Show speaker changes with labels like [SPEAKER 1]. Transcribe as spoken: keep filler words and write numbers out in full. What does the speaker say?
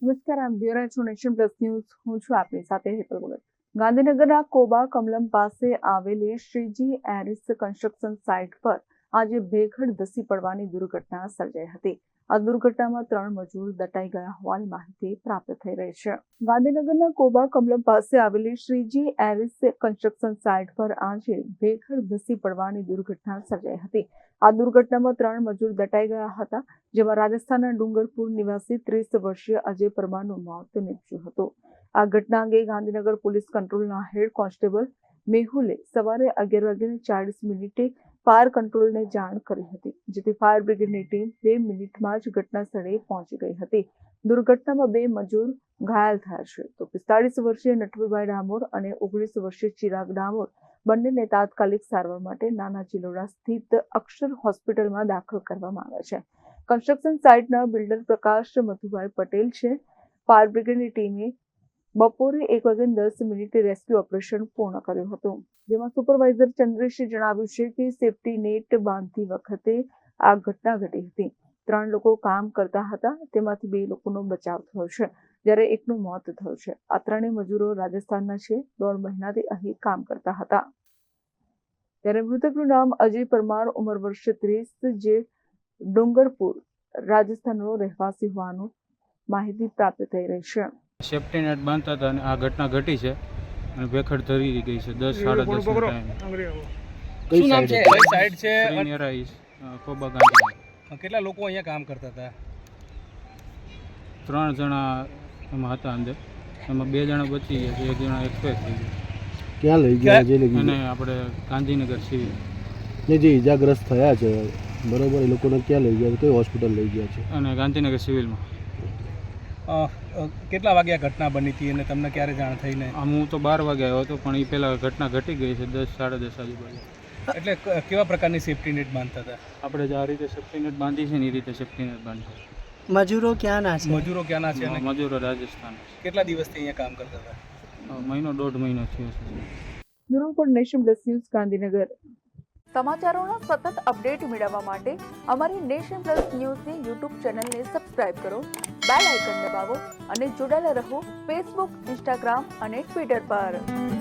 [SPEAKER 1] નમસ્કાર, આપ જોઈ રહ્યા છો નેશન પ્લસ ન્યૂઝ. હું છું આપની સાથે હેતલ ભગત. ગાંધીનગરના કોબા કમલમ પાસે આવેલી શ્રીજી એરિસ કન્સ્ટ્રક્શન સાઇટ પર આજે ભેખડ ધસી પડવાની દુર્ઘટના સર્જાઈ હતી. આ દુર્ઘટનામાં ત્રણ મજૂર દટાઈ ગયા હોવાની માહિતી પ્રાપ્ત થઈ રહી છે. ગાંધીનગરના કોબા કમલમ પાસે આવેલી શ્રીજી એરિસ કન્સ્ટ્રક્શન સાઇટ પર આજે ભેખડ ધસી પડવાની દુર્ઘટના સર્જાઈ હતી. આ દુર્ઘટનામાં ત્રણ મજૂર દટાઈ ગયા હતા, જેમાં રાજસ્થાનના ડુંગરપુર નિવાસી ત્રીસ વર્ષીય અજય પરમારનું મોત નીપજ્યું હતું. આ ઘટના અંગે ગાંધીનગર પોલીસ કંટ્રોલના હેડ કોન્સ્ટેબલ મેહુલે સવારે અગિયાર વાગ્યાને ચાળીસ મિનિટે ફાયર કંટ્રોલને જાણ કરી હતી, જેથી ફાયર બ્રિગેડની ટીમ બે મિનિટમાં જ ઘટના સ્થળે પહોંચી ગઈ હતી. દુર્ઘટનામાં બે મજૂર ઘાયલ થયા છે, તો પિસ્તાળીસ વર્ષીય નટવરભાઈ ડામોર અને ઓગણીસ વર્ષીય ચિરાગ ડામોર બંનેને તાત્કાલિક સારવાર માટે નાના ચિલોડા સ્થિત અક્ષર હોસ્પિટલમાં દાખલ કરવામાં આવ્યા છે. કન્સ્ટ્રક્શન સાઇટના બિલ્ડર પ્રકાશ મધુભાઈ પટેલ છે. ફાયર બ્રિગેડની ટીમે બપોરે એક વાગ્યાને દસ મિનિટે રેસ્ક્યુ ઓપરેશન પૂર્ણ કર્યું હતું, જેમાં સુપરવાઇઝર ચંદ્રેશે જણાવ્યું છે કે સેફટી નેટ બાંધતી વખતે આ ઘટના ઘટી હતી. ત્રણ લોકો કામ કરતા હતા, તેમાંથી બે લોકોનો બચાવ થયો છે, જ્યારે એકનું મોત થયું છે. આ ત્રણેય મજૂરો રાજસ્થાનના છે, દોઢ મહિનાથી અહીં કામ કરતા હતા. ત્યારે મૃતકનું નામ અજય પરમાર, ઉંમર વર્ષ ત્રીસ, જે ડુંગરપુર રાજસ્થાનનો રહેવાસી હોવાનું માહિતી પ્રાપ્ત થઈ રહી છે.
[SPEAKER 2] સેફ્ટી નેટ બાંધતા હતા અને આ ઘટના ઘટી છે અને ભેખડ ધરી ગઈ છે. દસ સાડા દસ ટાઈમ.
[SPEAKER 3] શું નામ છે? કઈ સાઈડ છે?
[SPEAKER 2] કોબા ગાંધી.
[SPEAKER 3] કેટલા લોકો અહીંયા કામ કરતા હતા?
[SPEAKER 2] ત્રણ જણા એમાં હતા અંદર, એમાં બે જણા બચી ગયા છે, એક જણા એક્સપાયર થઈ ગયા.
[SPEAKER 4] ક્યાં લઈ ગયા જે લઈ
[SPEAKER 2] અને આપણે ગાંધીનગર સિવિલ
[SPEAKER 4] ને જે ઈજાગ્રસ્ત થયા છે, બરોબર, એ લોકોને ક્યાં લઈ ગયા છે, કઈ હોસ્પિટલ લઈ ગયા છે?
[SPEAKER 2] અને ગાંધીનગર સિવિલમાં.
[SPEAKER 3] કેટલા વાગ્યા ઘટના બની હતી અને તમને ક્યારે જાણ થઈ? ને
[SPEAKER 2] આમ હું તો બાર વાગે આવ્યો હતો, પણ એ પહેલાં ઘટના ઘટી ગઈ છે દસ સાડા દસ આજુબાજુ.
[SPEAKER 3] એટલે કેવા પ્રકારની સેફ્ટી નેટ બાંધતા હતા?
[SPEAKER 2] આપણે જે આ રીતે સેફ્ટી નેટ બાંધી છે ને એ રીતે સેફ્ટી નેટ બાંધી.
[SPEAKER 5] મજૂરો ક્યાંના છે?
[SPEAKER 3] મજૂરો ક્યાંના છે?
[SPEAKER 2] મજૂરો રાજસ્થાન.
[SPEAKER 3] કેટલા દિવસથી અહીંયા કામ કરતા હતા?
[SPEAKER 2] મહિનો દોઢ મહિનો થયો છે.
[SPEAKER 1] Bureau report, Nation Plus News, Gandhinagar. સમાચારોના સતત અપડેટ મેળવવા માટે અમારી નેશન પ્લસ ન્યૂઝની યુટ્યુબ ચેનલને સબસ્ક્રાઇબ કરો, બેલ આઇકન દબાવો અને જોડાયેલા રહો ફેસબુક, ઇન્સ્ટાગ્રામ અને ટ્વિટર પર.